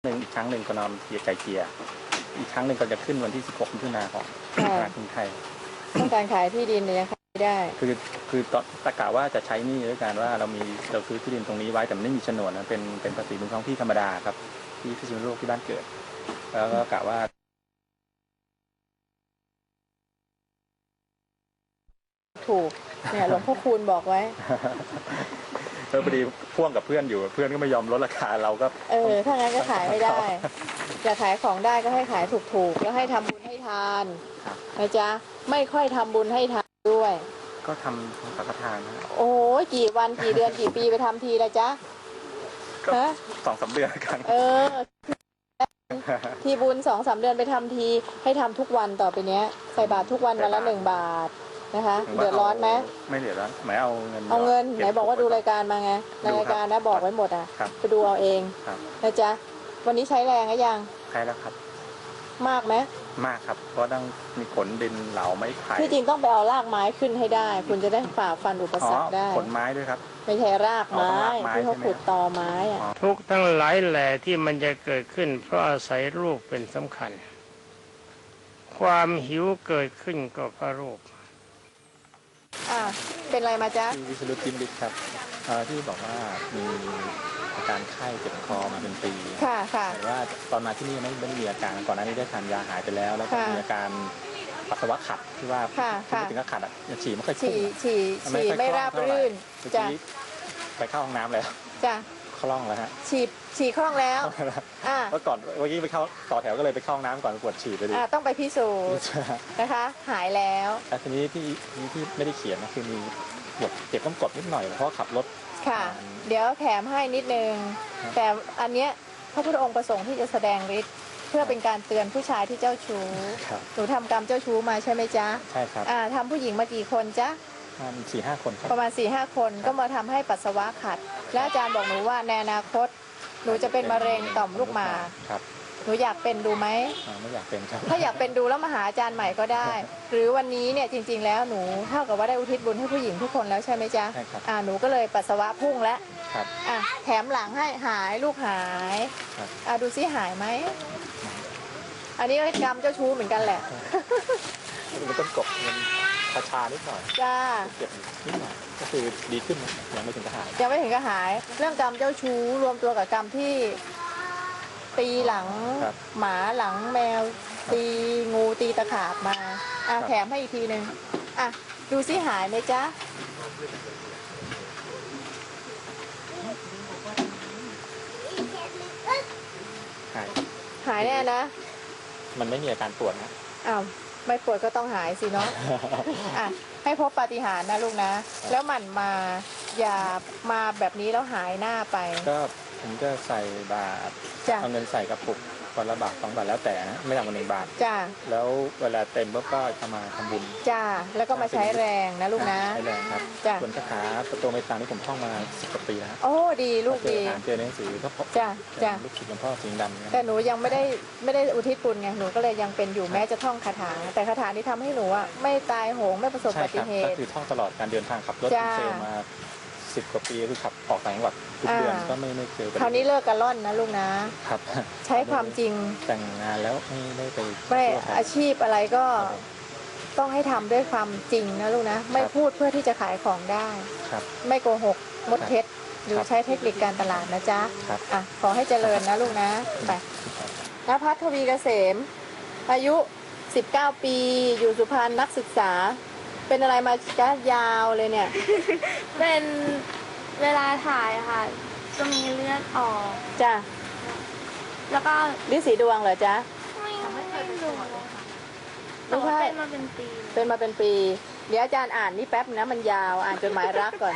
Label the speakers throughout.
Speaker 1: อีกครั้งหนึ่งก็นอนไก่เกลี่ยอีกครั้งหนึ่งก็จะขึ้นวันที่16 มิถุนายนของธนาคารกรุงไทย
Speaker 2: ต้องการขายที่ดินเนี่ยขายไม่ได้
Speaker 1: คือตะกะว่าจะใช้หนี้ด้วยการว่าเราซื้อที่ดินตรงนี้ไว้แต่ไม่มีโฉนดนะเป็นภาษีบนท้องที่ธรรมดาครับที่พิษณุโลกที่บ้านเกิดแล้วก็กะว่า
Speaker 2: ถูกเนี่ยหลวงพ่อคูณบอกไว้
Speaker 1: พอดีพ่วงกับเพื่อนอยู่เพื่อนก็ไม่ยอมลดราคาเราก็
Speaker 2: ถ้างั้นก็ขายไม่ได้จะขายของได้ก็ให้ขายถูกๆแล้วให้ทำบุญให้ทานนะจ๊ะไม่ค่อยทำบุญให้ทานด้วย
Speaker 1: ก็ทำสังฆทานนะ
Speaker 2: โอ้ยกี่วันกี่เดือนกี่ปีไปทำทีละจ๊ะ
Speaker 1: ก็2-3 เดือนกัน
Speaker 2: ทีบุญ2-3 เดือนไปทำทีให้ทำทุกวันต่อไปเนี้ยใส่บาตรทุกวันวันละ1 บาทนะคะเดือดร้อนไหม
Speaker 1: ไม่เดือดร้อนหมายเอาเงิน
Speaker 2: ไหนบอกว่าดูรายการมาไงในรายการนะบอกไว้หมดอ่ะไปดูเอาเองนะจ๊ะวันนี้ใช้แรงหรือยัง
Speaker 1: ใช้แล้วครับ
Speaker 2: มากไหม
Speaker 1: มากครับเพราะต้องมีขนดินเหลาไม้ไผ่
Speaker 2: ที่จริงต้องไปเอารากไม้ขึ้นให้ได้คุณจะได้ฝ่าฟันอุปสรรคได้
Speaker 1: ขนไม้ด้วยครับ
Speaker 2: ไม่ใช่รากไม้ที่เขาขุดตอไม้อ่ะ
Speaker 3: ทุกทั้งหลายแหล่ที่มันจะเกิดขึ้นเพราะอาศัยรูปเป็นสำคัญความหิวเกิดขึ้นก็เพราะรูป
Speaker 2: เป็นไรมาจ๊ะ
Speaker 1: วิสรุตจิมลิศครับที่บอกว่ามีอาการไข้เจ็บคอมาเป็นปี
Speaker 2: ค่ะ
Speaker 1: แต่ว่าตอนมาที่นี่ไม่มีอาการก่อนหน้านี้ได้ทานยาหายไปแล้วแล้วก็มีอาการปัสสาวะขัดที่ว่าไม่ถึงกับขัดฉี่ไม่ค่อยพุ่ง
Speaker 2: ฉี่ไม่ราบรื่น
Speaker 1: จ้ะไปเข้าห้องน้ำแล้ว
Speaker 2: จ้ะ
Speaker 1: คล่องแล้วฮะ
Speaker 2: ฉี่คล่องแล้ว
Speaker 1: เมื่อก่อนเมื่อกี้ไปเข้าต่อแถวก็เลยไปเข้าห้องน้ำก่อนปวดฉี่ไปดิ
Speaker 2: ต้องไปพิสูจน์นะคะหายแล้ว
Speaker 1: แต่ทีนี้ที่ไม่ได้เขียนนะคือมีเจ็บก้นกดนิดหน่อยเพราะขับรถ
Speaker 2: ค่ะเดี๋ยวแถมให้นิดนึงแต่อันเนี้ยพระพุทธองค์ประสงค์ที่จะแสดงฤทธิ์เพื่อเป็นการเตือนผู้ชายที่เจ้าชู้หนูทำกรรมเจ้าชู้มาใช่ไหมจ๊ะ
Speaker 1: ใช่ครับ
Speaker 2: ทำผู้หญิงมากี่คนจ๊ะ
Speaker 1: 4-5 คน
Speaker 2: ประมาณ 4-5 คนก็มาทำให้ปัสสาวะขัดและอาจารย์บอกหนูว่าในอนาคตหนูจะเป็นมะเร็งต่อมลูกหมากหนูอยากเป็นดูไหม
Speaker 1: ไม่อยากเป็นครับ
Speaker 2: ถ้าอยากเป็นดูแล้วมาหาอาจารย์ใหม่ก็ได้หรือวันนี้เนี่ยจริงๆแล้วหนูเท่ากับว่าได้อุทิศบุญให้ผู้หญิงทุกคนแล้วใช่ไหมจ๊ะ
Speaker 1: ใช่ครับ
Speaker 2: หนูก็เลยปัสสาวะพุ่งแล้ว
Speaker 1: ครับ
Speaker 2: แถมหลังให้หายลูกหายดูซิหายไหมอันนี้ก็กรรมเจ้าชู้เหมือนกันแหละ
Speaker 1: มันต้นกบมันชานิดหน่อย
Speaker 2: จ้า
Speaker 1: เจ็บนิดหน่อยก็คือดีขึ้นยังไม่ถึงกับหาย
Speaker 2: เรื่องกรรมเจ้าชู้รวมตัวกับกรรมที่ตีหลังหมาหลังแมวตีงูตีตะขาบมาแถมให้อีกทีหนึ่งดูซิหายไหมจ๊ะหายแน่นะ
Speaker 1: มันไม่มีอาการปวดนะ
Speaker 2: ไม่ปวดก็ต้องหายสิเนาะให้พบปาฏิหาริย์นะลูกนะแล้วหมั่นมาอย่ามาแบบนี้แล้วหายหน้าไป
Speaker 1: ก็ผมจะใส่บาตรเอาเงินใส่กระปุกวันละบาท2 บาทแล้วแต่นะไม่ต่ำกว่า1 บาท
Speaker 2: จ้า
Speaker 1: แล้วเวลาเต็มก็เอามาทำบุญ
Speaker 2: จ้าแล้วก็มาใช้แรงนะลูกนะ
Speaker 1: ใช้แรงครับส่วนคาถาประตูเมตตานี่ผมท่องมา10 กว่าปีแล้ว
Speaker 2: โอ้ดีลูกดี
Speaker 1: เจอในหนังสือก็
Speaker 2: จ้า
Speaker 1: ลูกศิษย์หลวงพ่อสิงห์ดำ
Speaker 2: แต่หนูยังไม่ได้อุทิศบุญไงหนูก็เลยยังเป็นอยู่แม้จะท่องคาถาแต่คาถานี้ทำให้หนูไม่ตายโหงไม่ประสบอุบัติเหตุ
Speaker 1: ก็คือท่องตลอดการเดินทางขับรถเซลมา10 กว่าปีคือขับออกต่างจังหวัดทุกเดือนก็ไม่เจอ
Speaker 2: คราวนี้เลิกกันล่อนนะลูกนะครับใช้ความจริง
Speaker 1: แต่งงานแล้วไม่ไป
Speaker 2: ไม่อาชีพอะไรก็ต้องให้ทำด้วยความจริงนะลูกนะไม่พูดเพื่อที่จะขายของได้ไม่โกหกมดเท็จหรือใช้เทคนิคการตลาดนะจ๊ะขอให้เจริญนะลูกนะไปณภัทร ทวีเกษมอายุ19 ปีอยู่สุพรรณนักศึกษาเป็นอะไรมาจ้ายาวเลยเนี่ย
Speaker 4: เป็นเวลาถ่ายค่ะจะมีเลือดออก
Speaker 2: จ้ะ
Speaker 4: แล้วก็
Speaker 2: ฤทธิ์สีดวงเหรอจ๊ะ
Speaker 4: ไม่เคยเป็นเลยค่ะ
Speaker 2: แต่ว่า
Speaker 4: เป็นมาเป็น
Speaker 2: ปี เดี๋ยวอาจารย์อ่านนี่แป๊บนะมันยาวอ่านจดหมายรักก่อน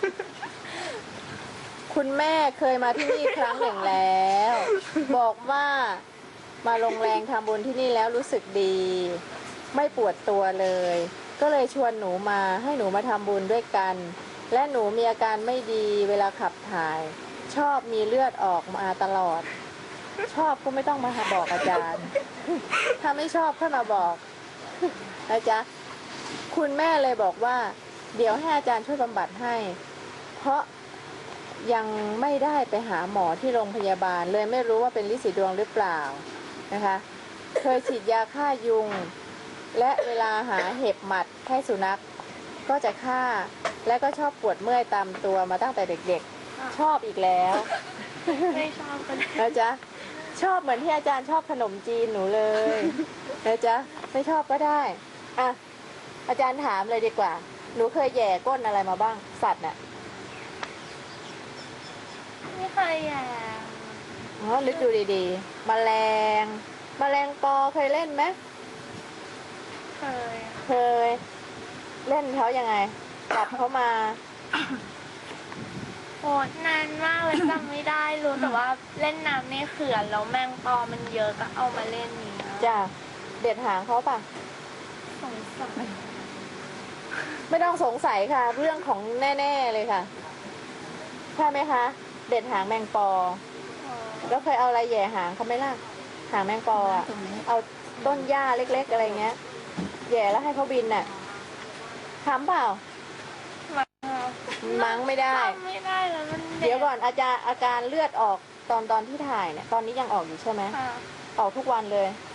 Speaker 2: คุณแม่เคยมาที่นี่ครั้งหนึ่งแล้วบอกว่ามาลงแรงทำบุญที่นี่แล้วรู้สึกดีไม่ปวดตัวเลยก็เลยชวนหนูมาให้หนูมาทำบุญด้วยกันและหนูมีอาการไม่ดีเวลาขับถ่ายชอบมีเลือดออกมาตลอดชอบก็ไม่ต้องมาบอกอาจารย์ถ้าไม่ชอบค่อยมาบอกนะจ๊ะคุณแม่เลยบอกว่าเดี๋ยวให้อาจารย์ช่วยบำบัดให้เพราะยังไม่ได้ไปหาหมอที่โรงพยาบาลเลยไม่รู้ว่าเป็นลินสีดวงหรือเปล่านะคะเคยฉีดยาฆ่ายุง และเวลาหาเห็บหมัดให้สุนัขก็จะฆ่าและก็ชอบปวดเมื่อยตามตัวมาตั้งแต่เด็กๆ ชอบอีกแล้ว
Speaker 4: ไม่ชอบก็ได้
Speaker 2: นะจ๊ะชอบเหมือนที่อาจารย์ชอบขนมจีนหนูเลยนะจ๊ะไม่ชอบก็ได้อ่ะอาจารย์ถามเลยดีกว่า หนูเคยแย่ก้นอะไรมาบ้างสัตว์น่ะ
Speaker 4: ไม่เคยแย่
Speaker 2: อ๋อนึกดูดีๆแมลงปอเคยเล่นไหม
Speaker 4: เคย
Speaker 2: เคย เล่นเขายังไงจับเขามา
Speaker 4: โอ้นานมากเลยจำไม่ได้รู้แต่ว่าเล่นน้ำในเขื่อนแล้วแมงปอมันเยอะก็เอามาเล่นนี้นะ
Speaker 2: จ้ะเด็ดหางเขาป่ะ
Speaker 4: สงสัย
Speaker 2: ไม่ต้องสงสัยค่ะ เรื่องของแน่ๆเลยค่ะใช่ไหมคะ เด็ดหางแมงปอ
Speaker 4: อ๋อ
Speaker 2: แล้วเคยเอาอะไรแหย่หางเขาไหมล่ะ หางแมงปออะเอาต้นหญ้าเล็กๆอะไรเงี้ยแหย่แล้วให้เขาบินน่ะทำเปล่า มั้งไม่ได้
Speaker 4: จำไม่ได้แล้วมัน
Speaker 2: เดี๋ยวก่อนอาการเลือดออกตอนที่ถ่ายเนี่ย ตอนนี้ยังออกอยู่ใช่ไหม
Speaker 4: ค่ะ
Speaker 2: ออกทุกวันเลย